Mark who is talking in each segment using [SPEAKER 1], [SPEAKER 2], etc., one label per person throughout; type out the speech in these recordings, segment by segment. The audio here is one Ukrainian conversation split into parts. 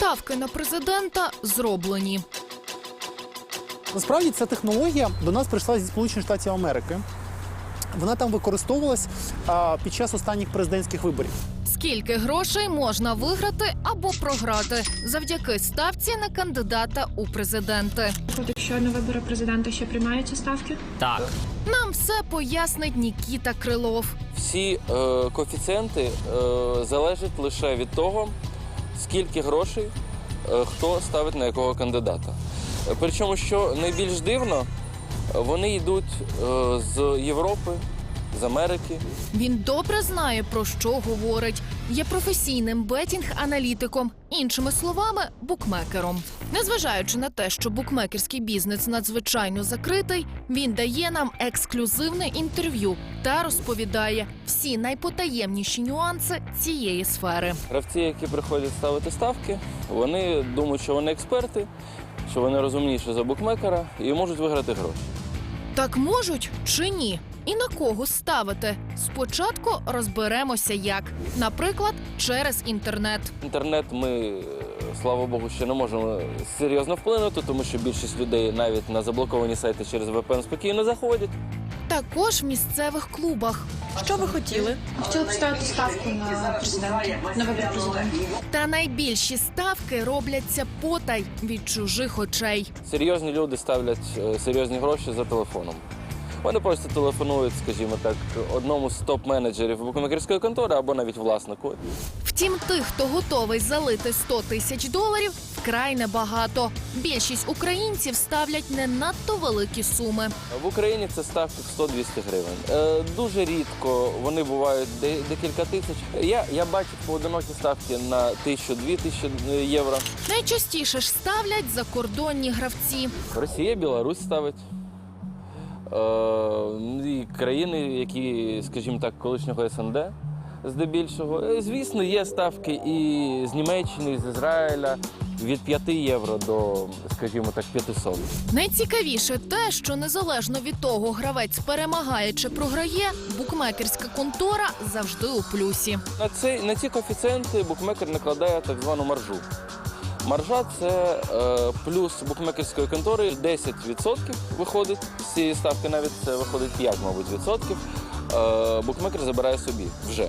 [SPEAKER 1] Ставки на президента зроблені.
[SPEAKER 2] Насправді ця технологія до нас прийшла зі Сполучених Штатів Америки. Вона там використовувалась під час останніх президентських виборів.
[SPEAKER 1] Скільки грошей можна виграти або програти завдяки ставці на кандидата у президенти?
[SPEAKER 3] Якщо на вибори президента ще приймаються ставки?
[SPEAKER 4] Так.
[SPEAKER 1] Нам все пояснить Нікіта Крилов.
[SPEAKER 5] Всі коефіцієнти залежать лише від того, скільки грошей хто ставить на якого кандидата. Причому, що найбільш дивно, вони йдуть з Європи, з Америки.
[SPEAKER 1] Він добре знає, про що говорить. Є професійним бетінг-аналітиком, іншими словами, букмекером. Незважаючи на те, що букмекерський бізнес надзвичайно закритий, він дає нам ексклюзивне інтерв'ю та розповідає всі найпотаємніші нюанси цієї сфери.
[SPEAKER 5] Гравці, які приходять ставити ставки, вони думають, що вони експерти, що вони розумніші за букмекера і можуть виграти гроші.
[SPEAKER 1] Так можуть чи ні? І на кого ставити? Спочатку розберемося як. Наприклад, через інтернет.
[SPEAKER 5] Інтернет ми, слава Богу, ще не можемо серйозно вплинути, тому що більшість людей навіть на заблоковані сайти через VPN спокійно заходять.
[SPEAKER 1] Також в місцевих клубах.
[SPEAKER 3] Що ви хотіли? Хотіли б ставити ставку на президента, на вибори президента.
[SPEAKER 1] Та найбільші ставки робляться потай від чужих очей.
[SPEAKER 5] Серйозні люди ставлять серйозні гроші за телефоном. Вони просто телефонують, скажімо так, одному з топ-менеджерів букмекерської контори або навіть власнику.
[SPEAKER 1] Втім, тих, хто готовий залити 100 тисяч доларів, вкрай небагато. Більшість українців ставлять не надто великі суми.
[SPEAKER 5] В Україні це ставки в 100-200 гривень. Дуже рідко вони бувають декілька тисяч. Я бачив поодинокі ставки на 1000-2000 євро.
[SPEAKER 1] Найчастіше ж ставлять закордонні гравці.
[SPEAKER 5] Росія, Білорусь ставить. І країни, які, скажімо так, колишнього СНД, здебільшого. Звісно, є ставки і з Німеччини, і з Ізраїля від 5 євро до, скажімо так, 500.
[SPEAKER 1] Найцікавіше те, що незалежно від того, гравець перемагає чи програє, букмекерська контора завжди у плюсі.
[SPEAKER 5] На ці коефіцієнти букмекер накладає так звану маржу. Маржа – це плюс букмекерської контори 10% виходить з цієї ставки, навіть це виходить 5, мабуть, відсотків. Букмекер забирає собі вже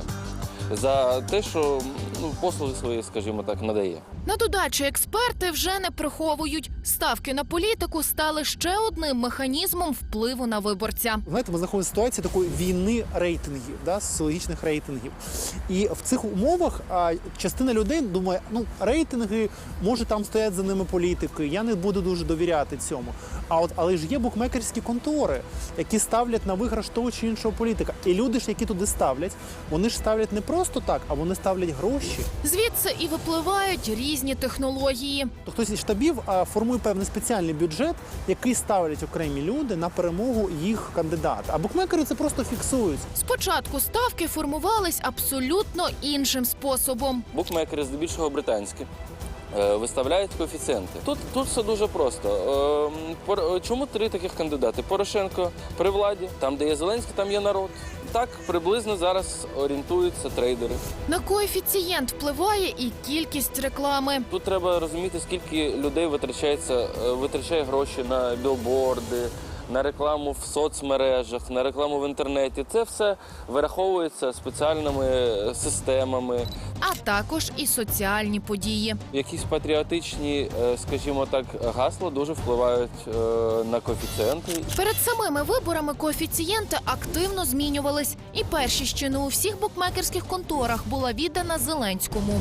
[SPEAKER 5] за те, що послуги свої, скажімо так, надає.
[SPEAKER 1] На додачу експерти вже не приховують. Ставки на політику стали ще одним механізмом впливу на виборця.
[SPEAKER 2] Знаєте, ми знаходимося в ситуації такої війни рейтингів, соціологічних рейтингів. І в цих умовах частина людей думає, рейтинги, може там стоять за ними політики, я не буду дуже довіряти цьому. Але ж є букмекерські контори, які ставлять на виграш того чи іншого політика. І люди ж, які туди ставлять, вони ж ставлять не просто так, а вони ставлять гроші.
[SPEAKER 1] Звідси і випливають різні технології.
[SPEAKER 2] То хтось із штабів формує певний спеціальний бюджет, який ставлять окремі люди на перемогу їх кандидата. А букмекери це просто фіксують.
[SPEAKER 1] Спочатку ставки формувались абсолютно іншим способом.
[SPEAKER 5] Букмекери, здебільшого британські, виставляють коефіцієнти. Тут все дуже просто. Чому 3 таких кандидати? Порошенко при владі, там, де є Зеленський, там є народ. Так приблизно зараз орієнтуються трейдери.
[SPEAKER 1] На коефіцієнт впливає і кількість реклами.
[SPEAKER 5] Тут треба розуміти, скільки людей витрачає гроші на білборди, на рекламу в соцмережах, на рекламу в інтернеті. Це все вираховується спеціальними системами.
[SPEAKER 1] А також і соціальні події.
[SPEAKER 5] Якісь патріотичні, скажімо так, гасла дуже впливають на коефіцієнти.
[SPEAKER 1] Перед самими виборами коефіцієнти активно змінювались. І перші ще не у всіх букмекерських конторах була віддана Зеленському.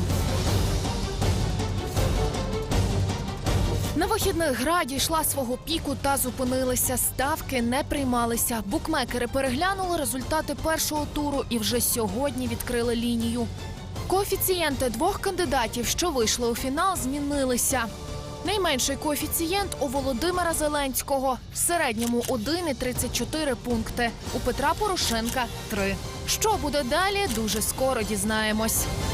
[SPEAKER 1] На вихідних гра дійшла свого піку та зупинилися. Ставки не приймалися. Букмекери переглянули результати першого туру і вже сьогодні відкрили лінію. Коефіцієнти 2 кандидатів, що вийшли у фінал, змінилися. Найменший коефіцієнт у Володимира Зеленського. В середньому 1,34 пункти. У Петра Порошенка – 3. Що буде далі, дуже скоро дізнаємось.